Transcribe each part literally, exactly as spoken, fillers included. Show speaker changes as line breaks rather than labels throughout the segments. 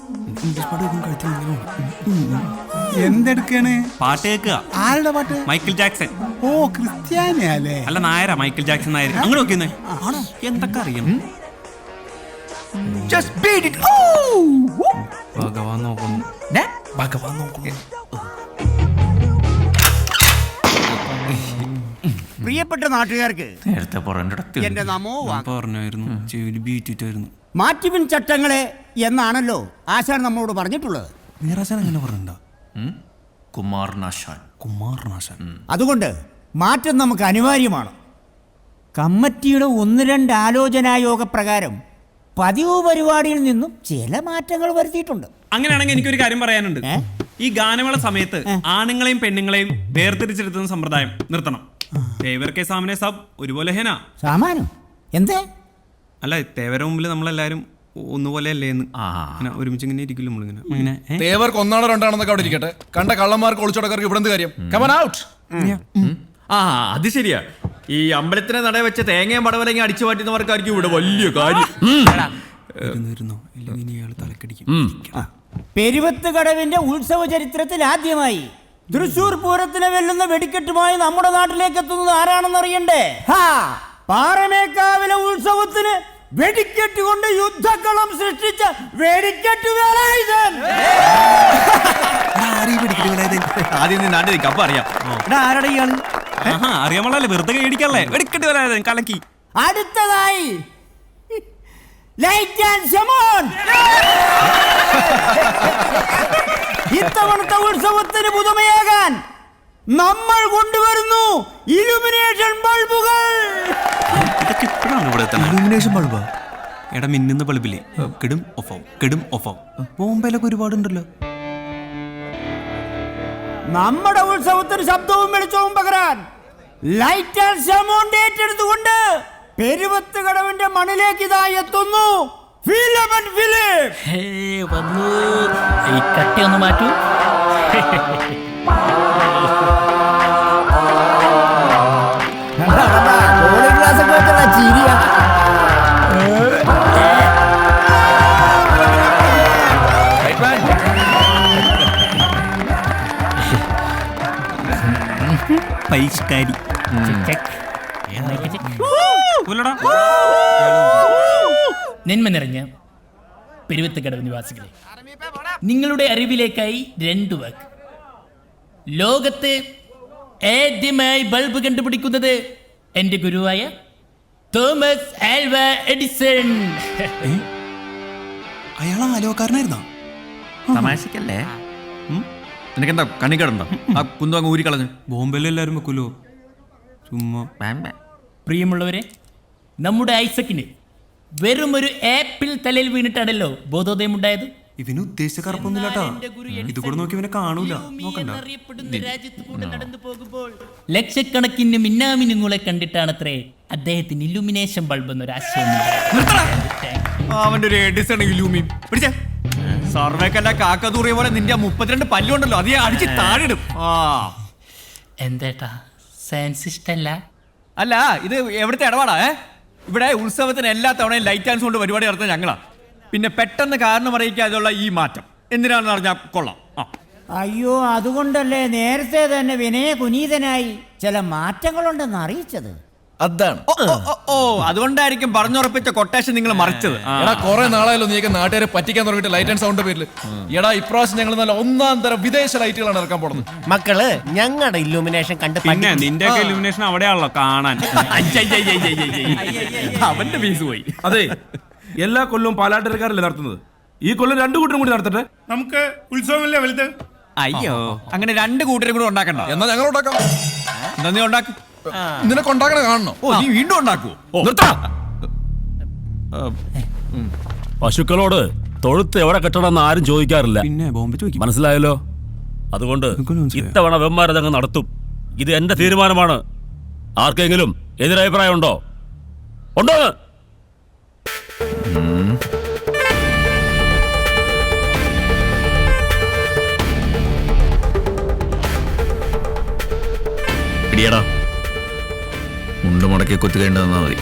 എന്തെടുക്കാണ്?
പാട്ട് കേൾക്കുക.
ആരുടെ പാട്ട്?
Michael Jackson.
ഓ, ക്രിസ്ത്യാനിയല്ലേ?
അല്ല, നായരാ. Michael Jackson Nair. അങ്ങനെ നോക്കിയെന്നേ. ആണോ? എന്തൊക്കെ അറിയാം. ഭഗവാൻ നോക്കുന്നു. ഭഗവാൻ നോക്കുന്നു.
പ്രിയപ്പെട്ട നാട്ടുകാർക്ക്
നേരത്തെ
എന്റെ നമോ
പറഞ്ഞായിരുന്നു. ചെവില് ബീറ്റിട്ടായിരുന്നു.
മാറ്റിപ്പിൻ ചട്ടങ്ങളെ എന്നാണല്ലോ ആശാൻ നമ്മളോട് പറഞ്ഞിട്ടുള്ളത്.
മീറാശാൻ അങ്ങനെ പറഞ്ഞിട്ടുണ്ടോ? കുമാരനാശാൻ. കുമാരനാശാൻ.
അതുകൊണ്ട് മാറ്റം നമുക്ക് അനിവാര്യമാണ്. കമ്മിറ്റിയുടെ ഒന്ന് രണ്ട് ആലോചനായോഗ പ്രകാരം പതിവ് പരിപാടിയിൽ നിന്നും ചില മാറ്റങ്ങൾ വരുത്തിയിട്ടുണ്ട്.
അങ്ങനെയാണെങ്കിൽ എനിക്കൊരു കാര്യം പറയാനുണ്ട്. ഈ ഗാനമേള സമയത്ത് ആണുങ്ങളെയും പെണ്ണുങ്ങളെയും വേർതിരിച്ചെടുത്തുന്ന സമ്പ്രദായം നിർത്തണം. തേവർക്ക് സാമനെ സബ് ഒരുപോലെ ഹേന.
സാമാനം എന്തേ?
അല്ല, തേവരുടെ മുമ്പിൽ നമ്മളെല്ലാരും ഒന്നുപോലെ അല്ലേന്ന്. ഒരുമിച്ച് ഇങ്ങനെ ഇരിക്കില്ല നമ്മളിങ്ങനെ.
തേവർക്ക് ഒന്നാണോ രണ്ടാണെന്നൊക്കെ അവിടെ ഇരിക്കട്ടെ. കണ്ട കള്ളന്മാർക്ക് ഒളിച്ചോടക്കാർക്ക് ഇവിടെ എന്ത് കാര്യം? Come on out.
ആ, അത് ശരിയാ. ഈ അമ്പലത്തിനെ നട വെച്ച തേങ്ങയും പടവലങ്ങ അടിച്ചു മാറ്റുന്നവർക്കായിരിക്കും ഇവിടെ വലിയ കാര്യം.
പെരുവത്ത് കടവിന്റെ ഉത്സവ ചരിത്രത്തിൽ ആദ്യമായി തൃശൂർ പൂരത്തിനെ വെല്ലുന്ന വെടിക്കെട്ടുമായി നമ്മുടെ നാട്ടിലേക്ക് എത്തുന്നത് ആരാണെന്ന് അറിയണ്ടേ? പാറമേക്കാവിലെ ഉത്സവത്തിന് വെടിക്കെട്ട് കൊണ്ട് യുദ്ധക്കളം സൃഷ്ടിച്ച വെടിക്കെട്ട് വേലായുധൻ.
ആദ്യം നാട്ടിൽ നിൽക്കാം, അപ്പൊ അറിയാം.
ആരുടെ ഇയാള്?
അറിയാമല്ലേ, വെറുതെ കേടിക്കല്ലേ. വെടിക്കെട്ട് വേലായുധൻ കലക്കി.
അടുത്തതായി ലൈറ്റ് ആൻഡ് ഷമോൺ. ഇത്തവണത്തെ ഉത്സവത്തിന് പുതുമയാകാൻ നമ്മൾ കൊണ്ടുവരുന്നു ഇലുമിനേഷൻ ബൾബുകൾ.
ഇതൊക്കെ ഇപ്പോഴാണ് ഇവിടെ ഇലുമിനേഷൻ ബൾബ്. എടാ, മിന്നുന്ന ബൾബില്ലേ, കെടും ഓഫാവും, കെടും ഓഫാവും. ബോംബെയിലൊക്കെ ഒരുപാടുണ്ടല്ലോ.
നമ്മുടെ ഉത്സവത്തിന് ശബ്ദവും വെളിച്ചവും പകരാൻ ലൈറ്റ് ആൻഡ് ഷമോൺ ഏറ്റെടുത്തുകൊണ്ട് പെരുവത്ത് കടവിന്റെ മണ്ണിലേക്ക് ഇതാ എത്തുന്നു ഫിലമൻ ഫിലിപ്പ്.
വന്നു. ഈ കട്ടി ഒന്ന് മാറ്റൂ.
പരിഷ്കാരി.
നന്മ നിറഞ്ഞ പെരുവത്തുകടവ് നിവാസികളെ, നിങ്ങളുടെ അറിവിലേക്കായി രണ്ടു വാക്ക്. ലോകത്ത് ആദ്യമായി ബൾബ് കണ്ടുപിടിക്കുന്നത് എന്റെ ഗുരുവായ തോമസ് ആൽവ എഡിസൺ.
അയാൾ ആലോകാരനായിരുന്നോ?
തമാശക്കല്ലേ? നിനക്കെന്താ കണ്ണിക്കടുണ്ടോ? ആ കുന്തു അങ്ങ് ഊരി കളഞ്ഞു.
ബോംബെയിൽ എല്ലാവരും വെക്കൂലോ ചുമ്മാ.
പ്രിയമുള്ളവരെ, നമ്മുടെ ഐസക്കിന് വെറും ഒരു ആപ്പിൾ തലയിൽ വീണിട്ടാണല്ലോ ബോധോദയം ഉണ്ടായത്.
ഇവന് ഉദ്ദേശിച്ച കറുപ്പൊന്നുമില്ലാട്ടാ. ഇത് കൂടെ നോക്കി ഇവനെ കാണൂല. നോക്കണ്ട.
നടന്നു പോകുമ്പോൾ ലക്ഷക്കണക്കിന് മിന്നാമിനുങ്ങളെ കണ്ടിട്ടാണത്രേ അദ്ദേഹത്തിന് ഇലുമിനേഷൻ ബൾബ് എന്നൊരു ആശയം.
അവന്റെ ഒരു എഡിസൺ ഇലൂമി പിടിച്ചേ. സർവേക്കല്ല കാക്കതൂറിയ പോലെ നിന്റെ മുപ്പത്തിരണ്ട് പല്ലുണ്ടല്ലോ, അതേ അടിച്ച് താഴെടും. ആ
എന്തേട്ടാ, സയൻസ് ഇഷ്ടല്ല?
അല്ല, ഇത് എവിടുത്തെ ഇടപാടാ? ഏ ഇവിടെ ഉത്സവത്തിന് എല്ലാ തവണയും ലൈറ്റ് ആൻഡ് സൗണ്ട് പരിപാടി നടത്തുന്നത് ഞങ്ങളാ. പിന്നെ പെട്ടെന്ന് കാരണം അറിയിക്കാതെയുള്ള ഈ മാറ്റം എന്തിനാണെന്ന് പറഞ്ഞാൽ കൊള്ളാം. ആ
അയ്യോ, അതുകൊണ്ടല്ലേ നേരത്തെ തന്നെ വിനയ കുനീതനായി ചില മാറ്റങ്ങളുണ്ടെന്ന് അറിയിച്ചത്.
അതാണ്.
ഓ, അതുകൊണ്ടായിരിക്കും പറഞ്ഞുറപ്പിച്ച കൊട്ടേഷൻ നിങ്ങൾ മറിച്ചത്.
എടാ, കുറെ നാളായല്ലോ നീക്ക് നാട്ടുകാരെ പറ്റിക്കാൻ തുടങ്ങിയിട്ട് ലൈറ്റ് ആൻഡ് സൗണ്ട് പേരിൽ. എടാ, ഇപ്രാവശ്യം ഞങ്ങൾ നല്ല ഒന്നാം തരം വിദേശ ലൈറ്റുകളാണ് ഇറക്കാൻ പോകുന്നത്.
മക്കള് ഞങ്ങളുടെ ഇല്ലുമിനേഷൻ കണ്ട്
പിന്നെ നിന്റെ ഇലുമിനേഷൻ അവിടെയാണല്ലോ കാണാൻ.
അവന്റെ ഫീസ് പോയി.
അതെ, എല്ലാ കൊല്ലവും പാലാട്ടരക്കാരല്ലേ നടത്തുന്നത്. ഈ കൊല്ലം രണ്ടു കൂട്ടരും കൂടി നടത്തട്ടെ.
നമുക്ക് ഉത്സവമല്ലേ വലുത്.
അയ്യോ, അങ്ങനെ രണ്ട് കൂട്ടരും കൂടെ ഉണ്ടാക്കണ്ട.
എന്നാ ഞങ്ങൾ ഉണ്ടാക്കാം.
എന്താ നീ ഉണ്ടാക്കും?
നിനക്ക് ഉണ്ടാക്കണ കാണണോ?
ഓ, നീ വീണ്ടും ഉണ്ടാക്കുവോ?
പശുക്കളോട് തൊഴുത്ത് എവിടെ കെട്ടണമെന്ന് ആരും ചോദിക്കാറില്ല.
പിന്നെ ബോംബെ ചോദിക്കും.
മനസ്സിലായല്ലോ? അതുകൊണ്ട് ഇത്തവണ വെമ്മാരതങ്ങ് നടത്തും. ഇത് എന്റെ തീരുമാനമാണ്. ആർക്കെങ്കിലും എതിരഭിപ്രായം ഉണ്ടോ? ഉണ്ടോ?
ഇടിയടാ, മുണ്ട് മുടക്കി കുത്തുകേണ്ടതെന്നാ മതി.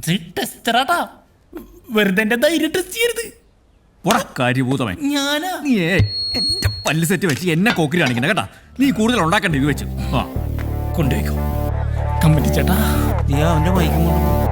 ടെസ്റ്ററാട്ടാ, വെറുതെ എന്റെ ധൈര്യം ടെസ്റ്റ് ചെയ്യരുത്.
പോടാ കാര്യഭൂതമേ.
ഞാനാ
നീ ഏ എന്റെ പല്ല് സെറ്റ് വെച്ച് എന്നെ കോക്കിരി കാണിക്കണ കേട്ടാ. നീ കൂടുതൽ ഉണ്ടാക്കണ്ട ഇത് വെച്ച്. ആ
കൊണ്ടുപോയിക്കോ കമ്പനി ചേട്ടാ.
നീ അവന്റെ മൈക്കും കൊണ്ട് പോ.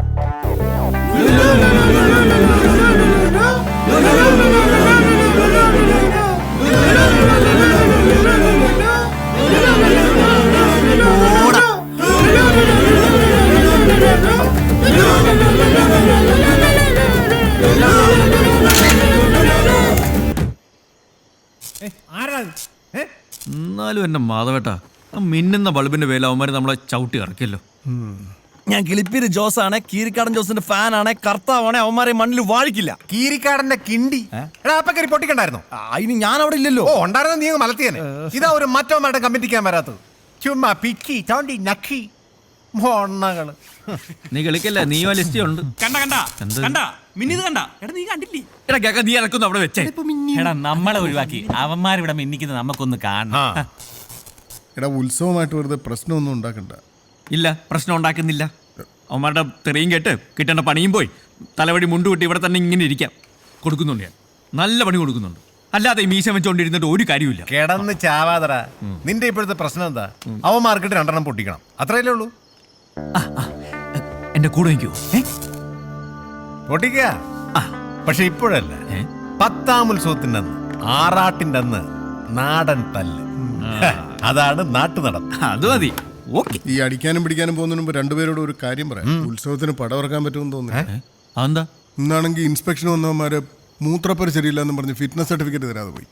എന്നാലും എന്നെ മാധവേട്ടാ, ആ മിന്നുന്ന ബൾബിന്റെ പേരിൽ അവന്മാര് നമ്മളെ ചവിട്ടി ഇറക്കിയല്ലോ.
ഞാൻ കിളിപ്പീര് ജോസ് ആണ്, കീരിക്കാടൻ ജോസിന്റെ ഫാൻ ആണ്, കർത്താവാണ്, അവന്മാരെ മണ്ണിൽ വാഴിക്കില്ല.
കീരിക്കാടന്റെ കിണ്ടി എടാ അപ്പൊ കരി പൊട്ടിക്കണ്ടായിരുന്നോ?
അതിന് ഞാൻ അവിടെ ഇല്ലല്ലോ.
ഓ ഉണ്ടായിരുന്ന നീ അങ്ങ് മലത്തിയനെ. ഇതാ ഒരു മറ്റവന്മാരുടെ കമ്മിറ്റിക്കാൻ വരാത്തത്. ചുമ്മാ പിക്കി തോണ്ടി നക്കി മൊണ്ണകള്.
നീ കളിക്കല്ല, നീയോ ലിസ്റ്റ് ഉണ്ട്.
കണ്ട കണ്ട കണ്ട മിന്നിത് കണ്ട. എടാ നീ കണ്ടില്ലേ?
എടാ കേക്ക, നീ ഇറക്കുന്നു അവിടെ വെച്ചേ.
എടാ നമ്മളെ ഒഴിവാക്കി അവന്മാരിവിടെ മിന്നിക്കുന്നത് നമുക്കൊന്ന് കാണണം.
എടാ ഉത്സവമായിട്ട് വെറുതെ പ്രശ്നമൊന്നും ഉണ്ടാക്കണ്ട.
ഇല്ല, പ്രശ്നം ഉണ്ടാക്കുന്നില്ല. അവന്മാരുടെ തെറിയും കേട്ട് കിട്ടേണ്ട പണിയും പോയി തലവടി മുണ്ടുവിട്ട് ഇവിടെ തന്നെ ഇങ്ങനെ ഇരിക്കാം. കൊടുക്കുന്നുണ്ട് ഞാൻ, നല്ല പണി കൊടുക്കുന്നുണ്ട്. അല്ലാതെ ഈ മീശ വെച്ചോണ്ടിരുന്നിട്ട് ഒരു കാര്യമില്ല.
കിടന്ന് ചാവാതറ. നിന്റെ ഇപ്പോഴത്തെ പ്രശ്നം എന്താ? അവൻ മാർക്കറ്റ് രണ്ടെണ്ണം പൊട്ടിക്കണം, അത്രയല്ലേ ഉള്ളൂ.
എന്റെ കൂടെ നിൽക്കൂ.
പൊട്ടിക്ക. പക്ഷെ ഇപ്പോഴല്ല, പത്താം ഉത്സവത്തിന്റെ അന്ന്, ആറാട്ടിന്റെ അന്ന് നാടൻ തല്ല്. അതാണ് നാട്ടു നട.
അത് മതി. ഓക്കെ.
ഈ അടിക്കാനും പിടിക്കാനും പോകുന്നതിന് മുമ്പ് രണ്ടുപേരോട് ഒരു കാര്യം പറയാം. ഉത്സവത്തിന് പടമിറക്കാൻ പറ്റുമെന്ന് തോന്നുന്നു.
അതെന്താ?
ഇന്നാണെങ്കിൽ ഇൻസ്പെക്ഷൻ വന്നവന്മാര് മൂത്രപ്പര ശരിയില്ല എന്ന് പറഞ്ഞ് ഫിറ്റ്നസ് സർട്ടിഫിക്കറ്റ് തരാതെ പോയി.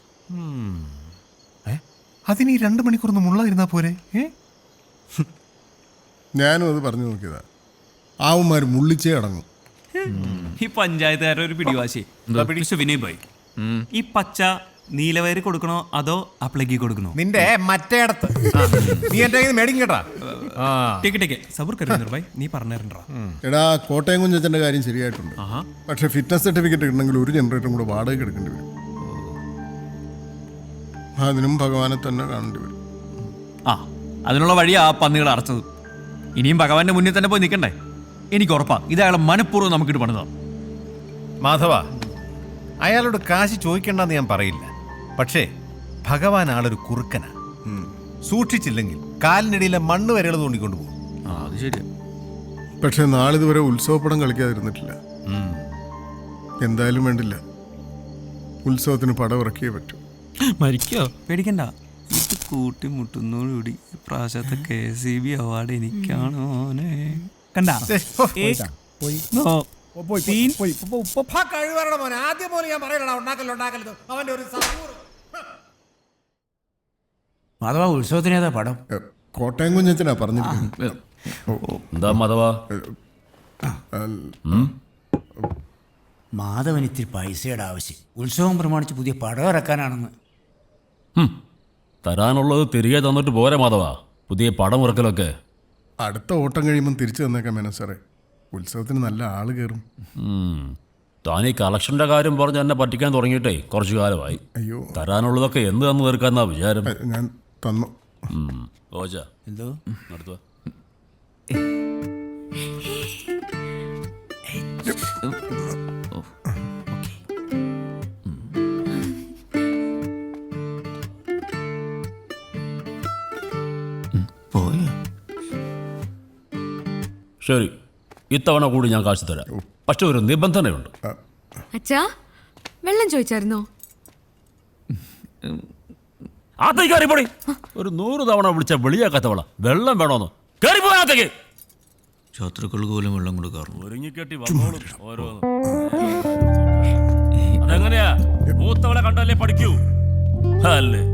അതിന് ഈ രണ്ടു മണിക്കൂർ മുള്ളായിരുന്നാ പോരെ?
ഞാനും അത് പറഞ്ഞു നോക്കിയതാ. ആവുമാര് മുള്ളിച്ചേ അടങ്ങും.
ഈ പഞ്ചായത്തുകാരുടെ ഒരു പിടിവാശി. പക്ഷെ വിനയ് ഭായ്, ഈ പച്ച നീലവയറ് കൊടുക്കണോ അതോ അപ്ലൈക്ക് കൊടുക്കണോ?
നിന്റെ മറ്റേടത്ത് നീ എന്റെ മേടിക്കും കേട്ടാ.
നീ പറഞ്ഞിട്ടുണ്ടോ?
എടാ കോട്ടയം കുഞ്ഞച്ചന്റെ കാര്യം ശരിയായിട്ടുണ്ട്. പക്ഷെ ഫിറ്റ്നസ് സർട്ടിഫിക്കറ്റ് കിട്ടണമെങ്കിൽ ഒരു ജനറേറ്ററും കൂടെ വാടക എടുക്കേണ്ടി വരും. അതിനും ഭഗവാനെ തന്നെ കാണേണ്ടി വരും.
ആ അതിനുള്ള വഴിയാ ആ പന്നികൾ അടച്ചത്. ഇനിയും ഭഗവാന്റെ മുന്നിൽ തന്നെ പോയി നിൽക്കണ്ടേ? എനിക്ക് ഉറപ്പാ ഇത് അയാളെ മനഃപൂർവ്വം നമുക്കിട്ട് പണിതാ.
മാധവ, അയാളോട് കാശ് ചോദിക്കണ്ടെന്ന് ഞാൻ പറയില്ല. പക്ഷേ ഭഗവാൻ ആളൊരു കുറുക്കനാ. സൂക്ഷിച്ചില്ലെങ്കിൽ കാലിനിടയിലെ മണ്ണ് വരെകൾ തോണ്ടിക്കൊണ്ട് പോകും.
അത് ശരിയാ.
പക്ഷെ നാളിതുവരെ ഉത്സവപ്പടം കളിക്കാതിരുന്നിട്ടില്ല. എന്തായാലും വേണ്ടില്ല, ഉത്സവത്തിന് പടം ഇറക്കിയേ പറ്റൂ.
മരിക്കോ? പേടിക്കണ്ട. ഇത് കൂട്ടിമുട്ടുന്നോടുകൂടി പ്രാവശ്യത്തെ കെ സി ബി അവാർഡ് എനിക്കാണോ? കണ്ട
ആദ്യം പോലെ ഞാൻ പറയണ ഉണ്ടാക്കല്ലോ ഉണ്ടാക്കല്ലോ അവന്റെ ഒരു
അഥവാ ഉത്സവത്തിന് ഏതാ പടം?
കോട്ടയം കുഞ്ഞച്ചനാ പറഞ്ഞിരിക്കുന്നത്.
എന്താ മതവാ?
മാധവൻ ഇത്തിരി പൈസയുടെ ആവശ്യം. ഉത്സവം പ്രമാണിച്ച് പുതിയ പടം ഇറക്കാനാണെന്ന്.
തരാനുള്ളത് തിരികെ തന്നിട്ട് പോരെ മാധവാ, പുതിയ പടം ഇറക്കലൊക്കെ.
അടുത്ത ഓട്ടം കഴിയുമ്പം തിരിച്ചു തന്നേക്കാം മേനോ സാറേ. ഉത്സവത്തിന് നല്ല ആള് കയറും.
താൻ ഈ കളക്ഷന്റെ കാര്യം പറഞ്ഞ് എന്നെ പറ്റിക്കാൻ തുടങ്ങിയിട്ടേ കുറച്ചു കാലമായി.
അയ്യോ,
തരാനുള്ളതൊക്കെ എന്ത് തന്നു തീർക്കാന്നാ വിചാരം?
ഞാൻ തന്നു.
ഓജ
എന്തോ
നടത്തുക. ശരി, ഇത്തവണ കൂടി ഞാൻ കാശ് തരാം. പക്ഷെ ഒരു നിബന്ധനയുണ്ട്.
അച്ഛാ, വെള്ളം ചോദിച്ചായിരുന്നോ?
അകത്തേക്ക് കയറിപ്പോടി. ഒരു നൂറ് തവണ വിളിച്ച വെളിയാക്കാത്തവള വെള്ളം വേണോന്ന് കയറിപ്പോകത്തേക്ക്.
ശത്രുക്കൾക്ക് പോലും വെള്ളം കൊടുക്കാറുണ്ട്.
ഒരുങ്ങിക്കെട്ടി വന്നോളും ഓരോന്ന്. അതെങ്ങനെയാ? മൂത്തവളെ കണ്ടല്ലേ പഠിക്കൂ അല്ലേ?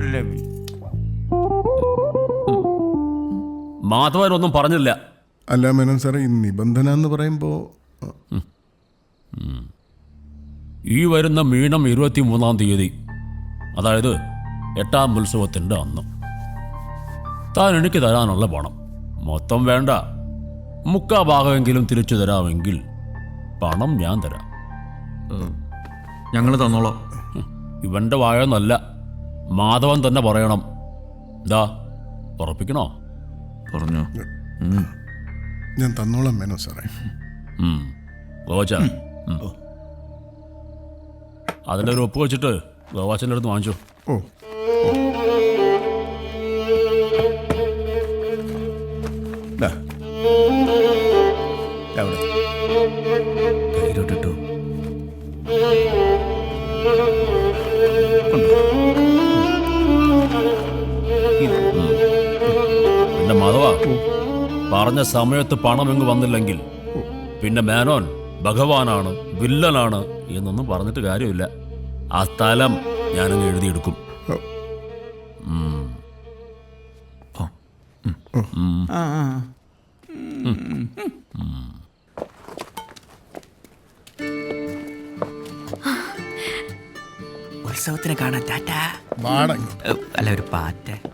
മാധവനൊന്നും പറഞ്ഞില്ല.
അല്ല മേനോൻ സാറേ, ഈ നിബന്ധന എന്ന് പറയുമ്പോ
ഈ വരുന്ന മീനം ഇരുപത്തി മൂന്നാം തീയതി, അതായത് എട്ടാം ഉത്സവത്തിൻ്റെ അന്ന് താൻ എനിക്ക് തരാനുള്ള പണം മൊത്തം വേണ്ട, മുക്കാ ഭാഗമെങ്കിലും തിരിച്ചു തരാമെങ്കിൽ പണം ഞാൻ തരാം.
ഞങ്ങൾ തന്നോളാം.
ഇവന്റെ വായൊന്നല്ല, മാധവൻ തന്നെ പറയണം. ഇതാ ഉറപ്പിക്കണോ?
പറഞ്ഞോ.
ഞാൻ തന്നോളാം മേനോ സാറേ.
ഉം. ഗോവാച്ച ഉം. അതിൻ്റെ ഒരു ഒപ്പ് വെച്ചിട്ട് ഗോവാച്ചൻ്റെ അടുത്ത് വാങ്ങിച്ചോ.
ഓ ദാ. അവിടെ
കയ്യിലോട്ടിട്ടു.
പിന്നെ മാധവ, പറഞ്ഞ സമയത്ത് പണം എങ്ങ് വന്നില്ലെങ്കിൽ പിന്നെ മേനോൻ ഭഗവാനാണ്, വില്ലനാണ് എന്നൊന്നും പറഞ്ഞിട്ട് കാര്യമില്ല. ആ സ്ഥലം ഞാനങ്ങ് എഴുതിയെടുക്കും. ഉം. ഉം.
ആ ആ.
ഉത്സവത്തിന് കാണാൻ ടാറ്റാ.
വാടക
അല്ല ഒരു പാറ്റ.